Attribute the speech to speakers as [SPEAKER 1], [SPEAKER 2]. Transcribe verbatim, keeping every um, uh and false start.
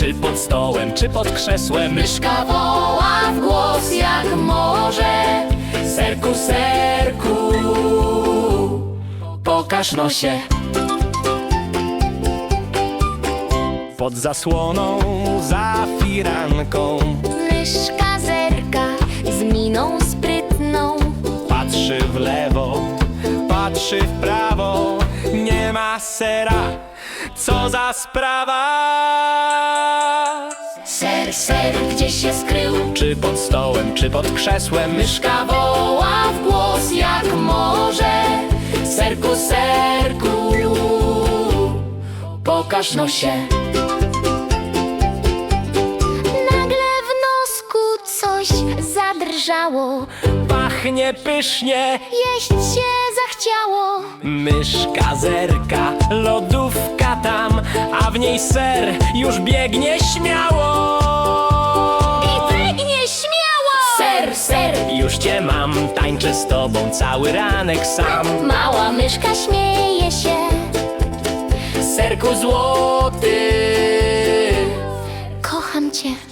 [SPEAKER 1] Czy pod stołem, czy pod krzesłem.
[SPEAKER 2] Myszka woła w głos jak może.
[SPEAKER 1] Serku, serku, pokaż nosie. Pod zasłoną, za firanką
[SPEAKER 2] Myszka zerka z miną sprytną.
[SPEAKER 1] patrzy w lewo, patrzy w prawo. Nie ma sera, co za sprawa.
[SPEAKER 2] Ser, ser, gdzie się skrył?
[SPEAKER 1] Czy pod stołem, czy pod krzesłem.
[SPEAKER 2] Myszka woła w głos jak może.
[SPEAKER 1] Serku, serku, pokaż nosie.
[SPEAKER 2] Nagle w nosku coś zadrżało.
[SPEAKER 1] Pachnie pysznie,
[SPEAKER 2] Jeść się zachciało.
[SPEAKER 1] myszka zerka, lodówka tam, a w niej ser już biegnie śmiało.
[SPEAKER 2] I biegnie śmiało!
[SPEAKER 1] Ser, ser, już cię mam, tańczę z tobą cały ranek sam.
[SPEAKER 2] Mała myszka śmieje się.
[SPEAKER 1] Serku złoty,
[SPEAKER 2] Kocham cię.